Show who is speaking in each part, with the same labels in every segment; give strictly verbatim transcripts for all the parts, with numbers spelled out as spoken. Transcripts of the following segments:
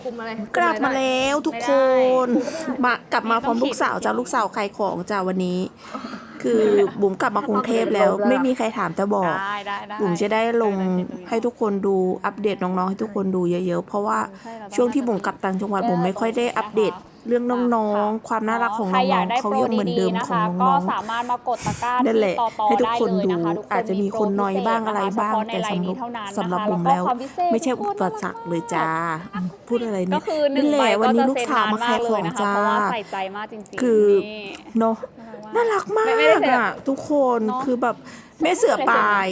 Speaker 1: คุมอะไร
Speaker 2: กลับมาแล้วทุกคนมากลับมาพร้อมลูกสาวจ้าลูกสาวขายของจ้าวันนี้ คือบุ๋มกลับมากรุงเทพแล้วไม่มีใครถามจะบอกบุ๋มจะได้ลงให้ทุกคนดูอัปเดตน้องๆให้ทุกคนดูเยอะๆเพราะว่าช่วงที่บุ๋มกลับต่างจังหวัดบุ๋มไม่ค่อยได้อัปเดตเรื่องน้องๆความน่ารักของน้องๆเขายังเหมือนเดิมของน้องๆ
Speaker 3: ก็สามารถมากดตะกร้า
Speaker 2: นั่นแหละ
Speaker 3: ที่ต่อ
Speaker 2: ให้ทุกคนดูอาจจะมีคนน้อยบ้างอะไรบ้างแต่สำหรับสำหรับบุ๋มแล้วไม่ใช่อุปสรรคเลยจ้าพูดอะไรเนี่ยนั่นแหละวันนี้ลูกสาวมาขายของจ้าคือเนาะน่ารักมากอ่ะทุกคนคือแบบแม่เสือปลาย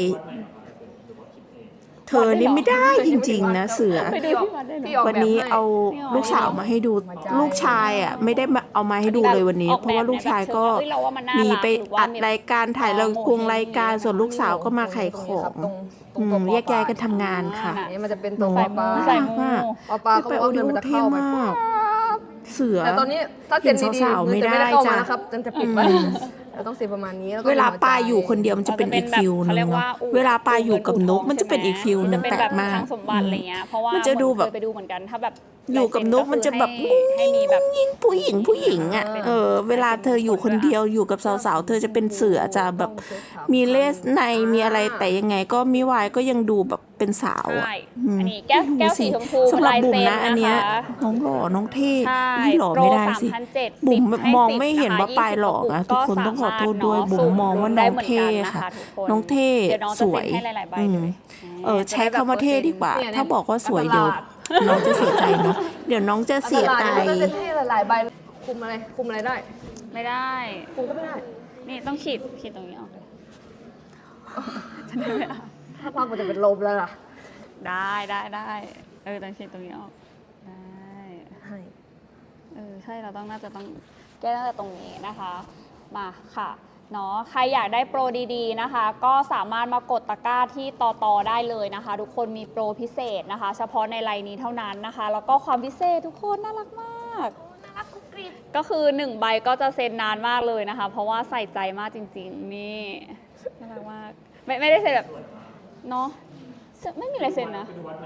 Speaker 2: เธอนี่ไม่ได้จริงๆนะเสือวันนี้เอาลูกสาวมาให้ดูลูกชายอ่ะไม่ได้เอามาให้ดูเลยวันนี้เพราะว่าลูกชายก็มีไปอัดรายการถ่ายละครรายการส่วนลูกสาวก็มาขายของแยกย้ายกันทำงานค่ะ
Speaker 1: นี่มันจะเป็นตัวปลา
Speaker 2: ใส่มาก
Speaker 1: ปลาปลาเขาบอกว่าเงินมันจะเข้าไป
Speaker 2: เสือ
Speaker 1: แต่ตอนนี้ถ้าเซ็นดีๆเงินจะไม่ได้เข้ามานะครับจะปิดไว้เราต้องเซ็นประมาณนี้
Speaker 2: เวลาปลาอยู่คนเดียวมันจะเป็นอีกฟิลนึงเนาะเวลาปลาอยู่กับนกมันจะเป็นอีกฟิลนึงแปลกมากมันจะดูแบบ
Speaker 3: ไปดูเหมือนกันถ้าแบบ
Speaker 2: อยู่กับนกมันจะแบบให้มีแบบยิ่งผู้หญิงผู้หญิงอ่ะเออเวลาเธออยู่คนเดียวอยู่กับสาวๆเธอจะเป็นเสือจะแบบมีเลสในมีอะไรแต่ยังไงก็มิวายก็ยังดูแบบเป็นสาวอ่ะ
Speaker 3: อันนี้แก้วแก้วสีชมพู
Speaker 2: สำหรับบุ๋มนะอันเนี้ยน้องหล่อน้องเท่ไม่หล่อไม่ได้สิบุ๋มมองไม่เห็นว่าปลายหล่อนะทุกคนต้องขอโทษด้วยบุ๋มมองว่าน้องเท่ค่ะน้องเท่สวยเออใช้คำว่าเท่ดีกว่าถ้าบอกว่าสวยเดี๋ยวน้องจะเสียใจเนาะเดี๋ยวน้องจะเสียใจ
Speaker 1: จะเท่หลายๆใบคุมอะไรคุมอะไรได้
Speaker 3: ไม่ได้
Speaker 1: คุมก็ไม่ได้
Speaker 3: นี่ต้องขีดขีดตรงนี้ออกเลย
Speaker 1: ถ้าพักมันจะเป็นลมแล้วล่ะ
Speaker 3: ได้ได้ได้เออต้องขีดตรงนี้ออกได้
Speaker 1: ให้
Speaker 3: เออใช่เราต้องน่าจะต้องแก้ตั้งแต่ตรงนี้นะคะมาค่ะเนาะใครอยากได้โปรดีๆนะคะก็สามารถมากดตะกร้าที่ต่อต่อได้เลยนะคะทุกคนมีโปรพิเศษนะคะเฉพาะในไลน์นี้เท่านั้นนะคะแล้วก็ความพิเศษทุกคนน่ารักมาก
Speaker 1: น่ารักกุ๊กกิ๊บ
Speaker 3: ก็คือหนึ่งใบก็จะเซ็นนานมากเลยนะคะเพราะว่าใส่ใจมากจริงๆนี่น่ารักมากไม่ไม่ได้เซ็นแบบเนาะไม่มีอะไรเซ็นนะ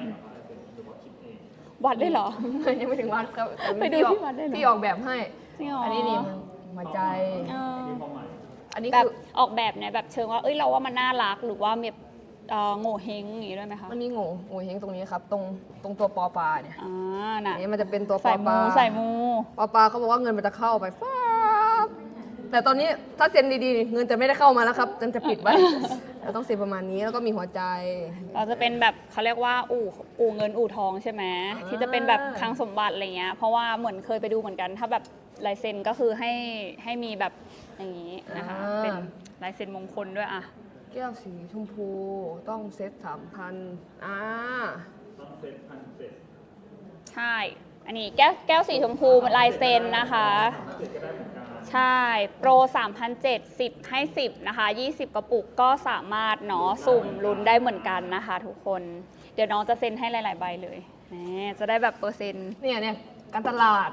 Speaker 3: วัดได้เหรอ
Speaker 1: ยังไม่ถึงวัดครับ
Speaker 3: ไปดูที่วัดได้เหรอ
Speaker 1: พี่ออกแบบให้อันนี้นี่หัวใจอันนี้
Speaker 3: แบบออกแบบเนี่ยแบบเชิงว่าเอ้ยเราว่ามันน่ารักหรือว่าแบบโง่เฮงอย่างนี้ด้วยไหมคะ
Speaker 1: มันมีโง่โง่เฮงตรงนี้ครับตรงตรงตัวปอปลาเนี่ย
Speaker 3: อ่าน่ะ
Speaker 1: นี่มันจะเป็นตัวปอปลา
Speaker 3: ใส่มู
Speaker 1: ปอปลาเขาบอกว่าเงินมันจะเข้าไปฟ้าแต่ตอนนี้ถ้าเซ็นดีๆเงินจะไม่ได้เข้ามาแล้วครับจะจะปิดไว้เราต้องเซ็นประมาณนี้แล้วก็มีหัวใจ
Speaker 3: เราจะเป็นแบบเขาเรียกว่าอู่อู่เงินอู่ทองใช่ไหมที่จะเป็นแบบคลังสมบัติอะไรเงี้ยเพราะว่าเหมือนเคยไปดูเหมือนกันถ้าแบบลายเซ็นก็คือให้ให้มีแบบอย่างนี้นะคะเป็นลายเซ็นมงคลด้วยอะ
Speaker 1: แก้วสีชมพูต้องเซ็ตสามพันอ่า
Speaker 3: ต้องเซ็ตพันเซ็ตใช่อันนี้แก้วแก้วสีชมพูลายเซ็นนะคะใช่โปร สามพันเจ็ดร้อย สิบให้สิบนะคะยี่สิบกระปุกก็สามารถเนาะสุ่มลุ้นได้เหมือนกันนะคะทุกคนเดี๋ยวน้องจะเซ็นให้หลายๆใบเลยนี่จะได้แบบเปอร์เซ็นต์
Speaker 1: เนี่ยเนี่ยการตลาด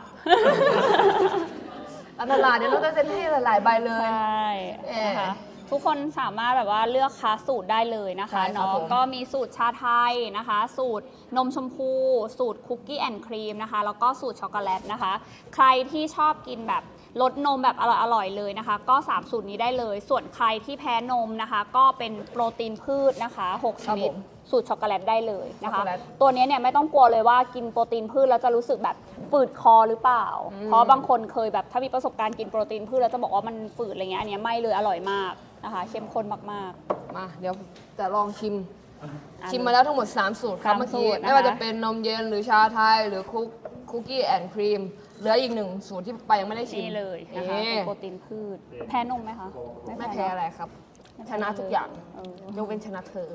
Speaker 1: การตลาดเดี๋ยวเราจะเซ็นให้หลายๆใบเลย
Speaker 3: ใช่นะคะทุกคนสามารถแบบว่าเลือกค้าสูตรได้เลยนะคะเนาะก็มีสูตรชาไทยนะคะสูตรนมชมพูสูตรคุกกี้แอนด์ครีมนะคะแล้วก็สูตรช็อกโกแลตนะคะใครที่ชอบกินแบบรสนมแบบอร่อยๆเลยนะคะก็สามสูตรนี้ได้เลยส่วนใครที่แพ้นมนะคะก็เป็นโปรตีนพืชนะคะหกชนิดสูตรช็อกโกแลตได้เลยนะคะตัวนี้เนี่ยไม่ต้องกลัวเลยว่ากินโปรตีนพืชแล้วจะรู้สึกแบบฝืดคอหรือเปล่าเพราะบางคนเคยแบบถ้ามีประสบการณ์กินโปรตีนพืชแล้วจะบอกว่ามันฝืดอะไรเงี้ยอันนี้ไม่เลยอร่อยมากนะคะเข้มข้นมาก
Speaker 1: ๆมาเดี๋ยวจะลองชิมชิมมาแล้วทั้งหมดสามสูตรครับเมื่อกี้ไม่ว่าจะเป็นนมเย็นหรือชาไทยหรือคุกคุกกี้แอนด์ครีมเหลืออีกหนึ่งสูตรที่ไปยังไม่ได้ชิม
Speaker 3: นี่เลยนะคะโปรตีนพืชแพ้นมไหมคะ
Speaker 1: ไม่แพ้อะไรครับชนะทุกอย่างยกเว้นชนะเธอ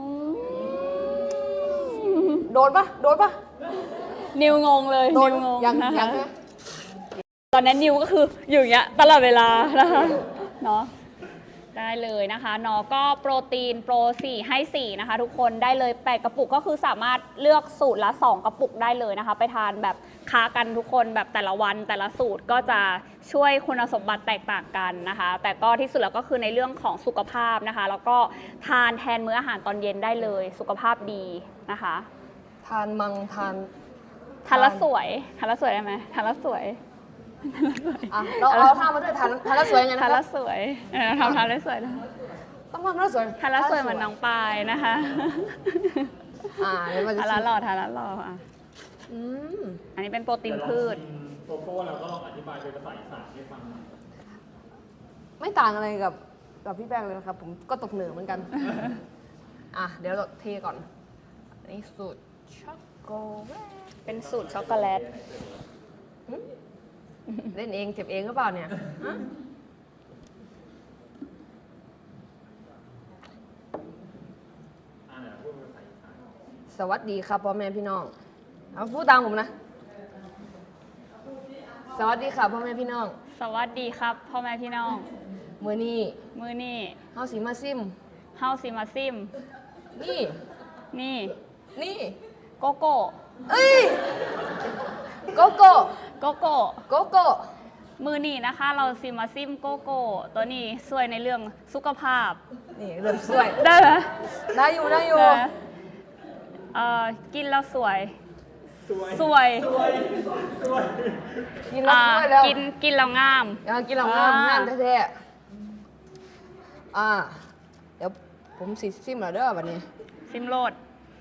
Speaker 1: โดนปะโดนปะ
Speaker 3: นิวงงเลย
Speaker 1: นิ
Speaker 3: วงง
Speaker 1: ยัง
Speaker 3: นะคะตอนนั้นนิวก็คืออยู่อย่างเงี้ยตลอดเวลานะคะเนาะได้เลยนะคะเนาะก็โปรตีนโปรสี่ให้สี่นะคะทุกคนได้เลยแปดกระปุกก็คือสามารถเลือกสูตรละสองกระปุกได้เลยนะคะไปทานแบบค้ากันทุกคนแบบแต่ละวันแต่ละสูตรก็จะช่วยคุณสมบัติแตกต่างกันนะคะแต่ก็ที่สุดแล้วก็คือในเรื่องของสุขภาพนะคะแล้วก็ทานแทนมื้ออาหารตอนเย็นได้เลยสุขภาพดีนะคะ
Speaker 1: ทานมังทาน
Speaker 3: ทานแล้วสวยทานแล้วสวยได้ไหมทานแล้วสวย
Speaker 1: อ่ะเราเราทำมาด้วยทานทานแล้วสวยยังไงนะ
Speaker 3: ทาน
Speaker 1: ค
Speaker 3: แล้
Speaker 1: รับ
Speaker 3: วสวยเออทำทานแล้วสวยนะ
Speaker 1: ต้องทำแล้วสวย
Speaker 3: ทานแล้วสวยเหมือนน้องปายนะคะ
Speaker 1: อ่าเดี๋ยวมันจะ
Speaker 3: ทานแล้วหล่อทานแล้วหล่ออ่ะ
Speaker 1: อืม
Speaker 3: อันนี้เป็นโปรตีนพืช
Speaker 4: โกโก้แล้วก็ลองอธิบายเป็นภาษาอีสานให้ฟังหน่อย
Speaker 1: ไม่ต่างอะไรกับกับพี่แป้งเลยนะครับ ผมก็ตกเหนือเหมือนกัน อ่ะ เดี๋ยวเราเทก่อนอันนี้สูตรช็อกโกแลต
Speaker 3: เป็นสูตรช็อกโกแลต
Speaker 1: เล่นเองเก็บเองหรือเปล่าเนี่ยฮะสวัสดีครับพ่อแม่พี่น้องเอาพูดตามผมนะ สวัสดีครับพ่อแม่พี่น้อง
Speaker 3: สวัสดีครับพ่อแม่พี่น้อง
Speaker 1: มือนี้
Speaker 3: มือนี่
Speaker 1: เฮาสีมาซิม
Speaker 3: เฮาสิมาซิม
Speaker 1: นี่
Speaker 3: นี่
Speaker 1: นี่
Speaker 3: โกโก้
Speaker 1: เอ้ยโกโก้
Speaker 3: โกโก้
Speaker 1: โกโก้
Speaker 3: มือนี่นะคะ เราสิมาซิมโกโก้ ตัวนี้ช่วยในเรื่องสุขภาพ
Speaker 1: นี่เริ่มสวย
Speaker 3: ได้ไหม
Speaker 1: ได้อยู่ได้อยู่
Speaker 3: ได้เอ่อกินแล้วสวย สวย
Speaker 1: กินแล้ว
Speaker 3: อ่า
Speaker 1: สวยแล้ว
Speaker 3: กินกินแล้วงาม
Speaker 1: อยากกินแล้วงาม
Speaker 3: อ่าง
Speaker 1: งามแท้ๆอ่า เดี๋ยวผมสิซิมแล้วเด้อวันนี้
Speaker 3: ซิมโรด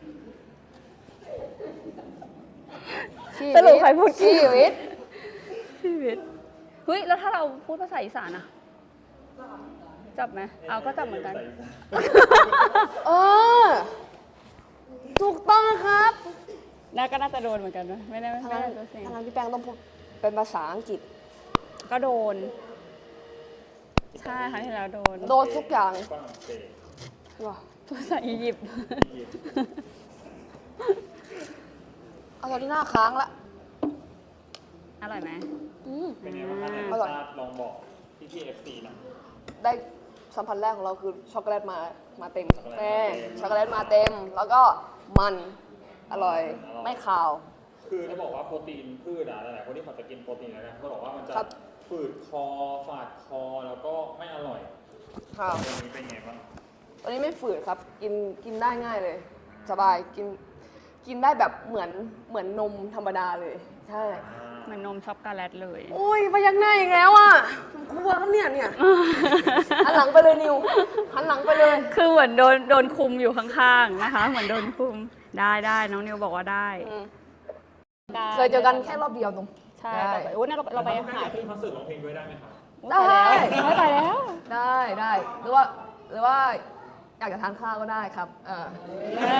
Speaker 1: ชี
Speaker 3: สรุปใครพูด
Speaker 1: ชีวิต
Speaker 3: ชีวิตเฮ้ย แล้วถ้าเราพูดภาษาอีสานอะจับไหมเอาก็จับเหมือนกัน
Speaker 1: เออถูกต้องนะครับ
Speaker 3: น่าก็น่าจะโดนเหมือนกันนะไม่ได้ไม่
Speaker 1: ทาง
Speaker 3: ได้
Speaker 1: นั้น
Speaker 3: ตัวเสียง
Speaker 1: ทางนั้นพี่แป้งต้องพูดเป็นภาษาอังกฤษ
Speaker 3: ก็โดน ใช่ครั้งที่แล้วโดน
Speaker 1: โดนทุกอย่าง
Speaker 4: ฝรั่งเศส
Speaker 1: ว้า
Speaker 3: ภาษาอียิปต์
Speaker 1: เอาตอนนี้หน้าค้างละ
Speaker 3: อร่อยไหม
Speaker 1: อืม
Speaker 4: เป็นไงบ้างคะใน
Speaker 1: อ
Speaker 4: รส
Speaker 1: ร่อย
Speaker 4: ชาติลองบอกพี่พี่เอฟซีหน่อย
Speaker 1: ได้สัมผัสแรกของเราคือช็อกโกแลตมามาเต็ม
Speaker 4: ช็อกโกแลต
Speaker 1: แม่
Speaker 4: มาเต็ม
Speaker 1: ช็อกโกแลตมาเต็ม แล้วก็มันอร่อย
Speaker 4: อร่อย
Speaker 1: ไม่คาว
Speaker 4: คือจะบอกว่าโปรตีนพืชอะหลายๆคนที่เขาจะกินโปรตีนแล้วนะเขาบอกว่ามันจะ
Speaker 1: ครับ
Speaker 4: ฝืดคอ ฝาดคอ แล้วก็ไม่อร่อย
Speaker 1: ครับ
Speaker 4: ตัวนี้เป็นไงบ้าง
Speaker 1: ตัวนี้ไม่ฝืดครับ กินกินได้ง่ายเลย สบายกินกินได้แบบเหมือนเหมือนนมธรรมดาเลย ใช่
Speaker 3: เหมือนนมช็อกโกแลตเลย
Speaker 1: โอ้ยมายักหน้าอีกแล้วอ่ะกลัวครับเนี่ยเนี่ยหันหลังไปเลยนิวหันหลังไปเลย
Speaker 3: คือเหมือนโดนโดนคุมอยู่ข้างๆนะคะ เหมือนโดนคุมได้ได้น้องนิวบอกว่าได้
Speaker 1: อืมเคยเจอกันแค่รอบเดียวตรง
Speaker 3: ใช่แต่ไปโอ้ยเราเราไปหา
Speaker 4: ขึ้นคอนเสิร์ตร้องเพลงด้วยได้ไหมครับ
Speaker 1: ได้
Speaker 3: ไม่ไปแล้ว
Speaker 1: ได้ได้หรือว่าหรือว่าอยากจะทานข้าวก็ได้ครับเออ
Speaker 3: เอ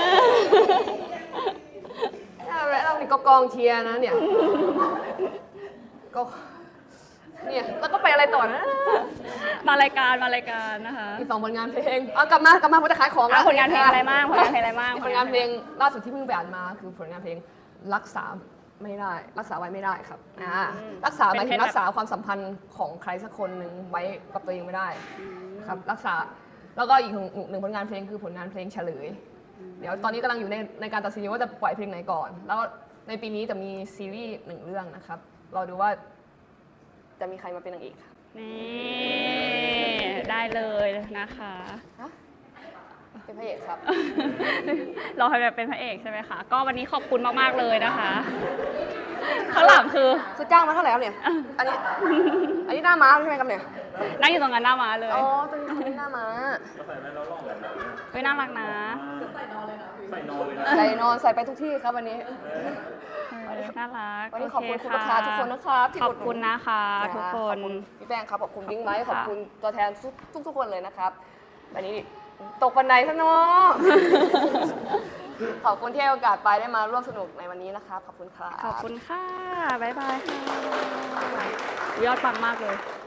Speaker 3: อ
Speaker 1: แล้วเรามีกกองเชียร์นะเนี่ยก็เนี่ยแล้วก็ไปอะไรต่อนะ
Speaker 3: มารายการมารายการนะคะ
Speaker 1: มีสองผลงานเพลงเอากลับมากลับมาผมจะขายของ
Speaker 3: อ่ะผลงานเพลงอะไรบ้างผลงานเพลงอะไรบ้าง
Speaker 1: ผลงานเพลงล่าสุดที่เพิ่งไปอ่านมาคือผลงานเพลงรักษาไม่ได้ รักษาไว้ไม่ได้ครับอ่ารักษาหมายถึงรักษาความสัมพันธ์ของใครสักคนหนึ่งไว้กับตัวเองไม่ได้ครับรักษาแล้วก็อีกหนึ่งหนึ่งผลงานเพลงคือผลงานเพลงเฉลย เดี๋ยวตอนนี้กำลังอยู่ในในการตัดสินว่าจะปล่อยเพลงไหนก่อน แล้วในปีนี้จะมีซีรีส์หนึ่งเรื่องนะครับเราดูว่าจะมีใครมาเป็นนางเอกค่ะ
Speaker 3: นี่ได้เลยนะคะ
Speaker 1: ฮะเป็นพระเอกครับ
Speaker 3: เราให้แบบเป็นพระเอกใช่ไหมคะ ก็วันนี้ขอบคุณมากๆเลยนะคะข้างหลังคือ
Speaker 1: คือจ้างมาเท่าไหร่ครับเนี่ย อันนี้ อันนี้หน้าม้าใช่ไหมครับเนี่ย
Speaker 3: นั่งอยู่ตรงนั้นหน้ามาเลย
Speaker 1: อ๋อตรงนี้คนนี้หน้าม้า
Speaker 4: ก็ใส่แว่นแล้วลองเลยนะ
Speaker 3: เฮ้ยน่ารักนะ
Speaker 4: ใส่นอนเลยนะ ใส่นอนเลยนะ
Speaker 1: ใส่นอนใส่ไปทุกที่ครับวันนี้
Speaker 3: เออน่ารัก
Speaker 1: วันนี้ขอบคุณ
Speaker 3: โเ
Speaker 1: คุณลูกค้าทุกคนนะครับที่
Speaker 3: ขอ
Speaker 1: อุ
Speaker 3: บ
Speaker 1: ดหนุน
Speaker 3: คุณนะคะทุกคน
Speaker 1: ขอบณพี่แป้งครับขอบคุณบิ๊กไมค์ขอบ
Speaker 3: ค่ะ
Speaker 1: คุณตัวแทนทุกทุกทุกคนเลยนะครับวันนี้ตกบันไดซะเนาะ ขอบคุณที่ให้โอกาสไปได้มาร่วมสนุกในวันนี้นะครับขอบคุณครับ
Speaker 3: ขอบคุณค่ะ บ๊ายบายค่ะ ยอดปังมากเลย